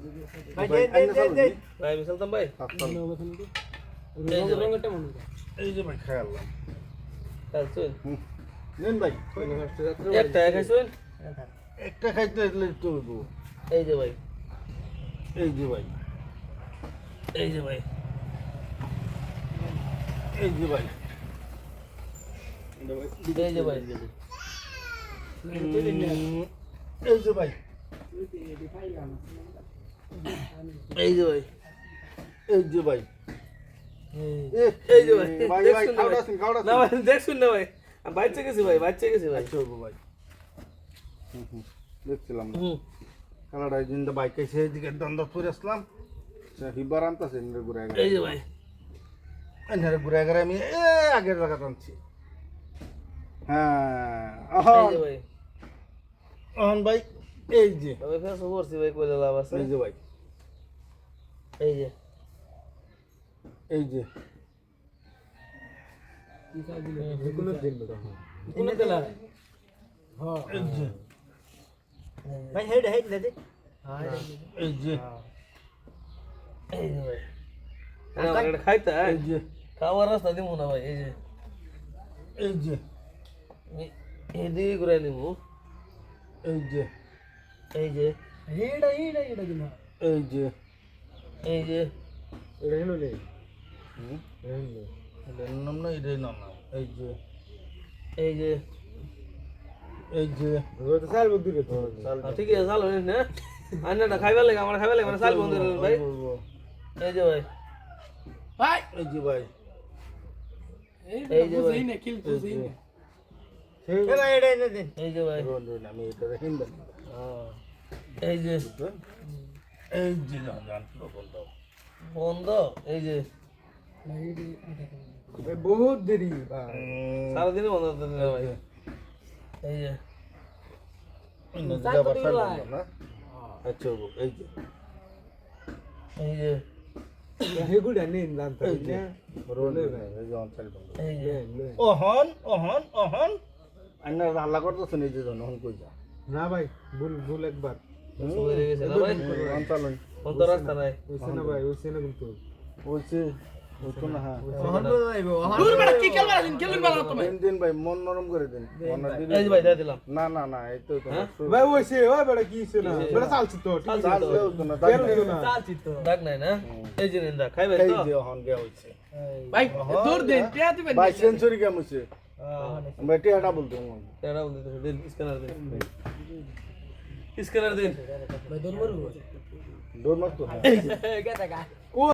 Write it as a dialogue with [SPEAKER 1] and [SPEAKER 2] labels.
[SPEAKER 1] ভাই দে
[SPEAKER 2] ভাই আমি চলতাম ভাই
[SPEAKER 1] এই যে ভাই খাইলাম
[SPEAKER 2] খাইছেন
[SPEAKER 1] নেন ভাই
[SPEAKER 2] একটা খাইছেন
[SPEAKER 1] একটা খাইতে হলে তো হইব
[SPEAKER 2] এই যে ভাই
[SPEAKER 1] এই যে ভাই
[SPEAKER 2] এই যে ভাই
[SPEAKER 1] এই যে ভাই
[SPEAKER 2] এই যে ভাই
[SPEAKER 1] এই যে ভাই
[SPEAKER 2] এই যে ভাই
[SPEAKER 1] এই যে ভাই
[SPEAKER 2] এই যে ভাই
[SPEAKER 1] ভাই ভাই খাওড়া
[SPEAKER 2] না ভাই দেখছুন না ভাই আমি বাচ্চা গেছি ভাই ভাই
[SPEAKER 1] চলবো ভাই দেখছিলাম
[SPEAKER 2] হুম
[SPEAKER 1] কানাডায় জিন্দা বাইক এসে এদিকে দ্বন্দ্ব করে আসলাম হিবার আনতেছে ঘুরে
[SPEAKER 2] এই যে ভাই
[SPEAKER 1] এনারে ঘুরে গেলে আমি আগের জায়গা টানছি হ্যাঁ
[SPEAKER 2] এই যে ভাই
[SPEAKER 1] অহন ভাই এই যে
[SPEAKER 2] তবে ফেস করছি ভাই কইলা লাভ আছে
[SPEAKER 1] এই যে ভাই
[SPEAKER 2] এই যে
[SPEAKER 1] এই যে
[SPEAKER 3] কোনো দিন বেটা
[SPEAKER 2] কোন তেলা
[SPEAKER 3] হ্যাঁ
[SPEAKER 1] এই যে
[SPEAKER 3] ভাই হেড দে
[SPEAKER 1] এই যে
[SPEAKER 2] এই যে ভাই এটা খাইতা
[SPEAKER 1] এই যে
[SPEAKER 2] খাওয়ার রাস্তা দিমু না ভাই এই যে
[SPEAKER 1] এই যে
[SPEAKER 2] এদিকে ঘুরে নিমু
[SPEAKER 1] এই যে
[SPEAKER 2] এই যে
[SPEAKER 3] এটা কিনা
[SPEAKER 1] এই যে
[SPEAKER 2] এই যে
[SPEAKER 3] এটা হেলো লে
[SPEAKER 1] এটার নাম না এটাই নাম না এই যে
[SPEAKER 2] এই যে
[SPEAKER 1] এই যে
[SPEAKER 3] ওটা তো সাল বন্ধু রে তো
[SPEAKER 2] ঠিক আছে চালু না আন্নাটা খাইবার লাগে আমার খাইবার লাগে মানে চাল বন্ধ করে ভাই এই যে ভাই ভাই
[SPEAKER 1] এই যে ভাই
[SPEAKER 2] এই যে ভাই
[SPEAKER 3] এটা এনে দিন
[SPEAKER 2] এই যে ভাই
[SPEAKER 1] আমি এটা হিন্দা
[SPEAKER 2] এই যে
[SPEAKER 1] এই যে জান বলতো
[SPEAKER 2] বন্ধ এই যে
[SPEAKER 3] বহুত দেরি ভাই
[SPEAKER 2] সারাদিনই বন্ধ করতে দিলে ভাই এই যে
[SPEAKER 1] না আচ্ছা এই যে
[SPEAKER 2] এই যে
[SPEAKER 3] হেগুড়া নিন জানতে
[SPEAKER 1] এই যে
[SPEAKER 3] রোলে ভাই
[SPEAKER 1] এই যে অঞ্চল বন্ধ
[SPEAKER 2] এই যে
[SPEAKER 1] ওহন আন্নার হাল্লা করতেছেন এই যে জন ওহন কই যা
[SPEAKER 3] না ভাই ভুল একবার
[SPEAKER 2] হয়ে গেছে না ভাই
[SPEAKER 1] অঞ্চল
[SPEAKER 2] কোন রাস্তা নাই
[SPEAKER 3] ওইছে না ভাই ওইছে না কিন্তু
[SPEAKER 1] ওইছে ওইতো না হ্যাঁ
[SPEAKER 2] দূর বেটা কি খেলবেন বালা তুমি
[SPEAKER 1] দিন ভাই মন নরম করে দিন
[SPEAKER 2] এই যে ভাই দিয়ে দিলাম
[SPEAKER 1] না এই তো
[SPEAKER 3] ভাই ওইছে ওই বড় কি ছিল না বড় চালছি তো ঠিক আছে চালছি তো
[SPEAKER 2] ডাক নাই না এই যে নিন্দা খাইবে
[SPEAKER 1] এই
[SPEAKER 2] তো
[SPEAKER 1] যে ওহন গয়া হইছে
[SPEAKER 2] ভাই দূর দেন টিয়া দিবেন
[SPEAKER 1] ভাই সেঞ্চুরি কেমন হইছে ভাই টিয়াটা বলতো
[SPEAKER 2] টেরা বন্ধ দেন স্ক্যানার দেন স্ক্যানার দেন
[SPEAKER 3] ভাই দৌড় মারবো
[SPEAKER 1] দৌড় মারতো
[SPEAKER 2] এই যে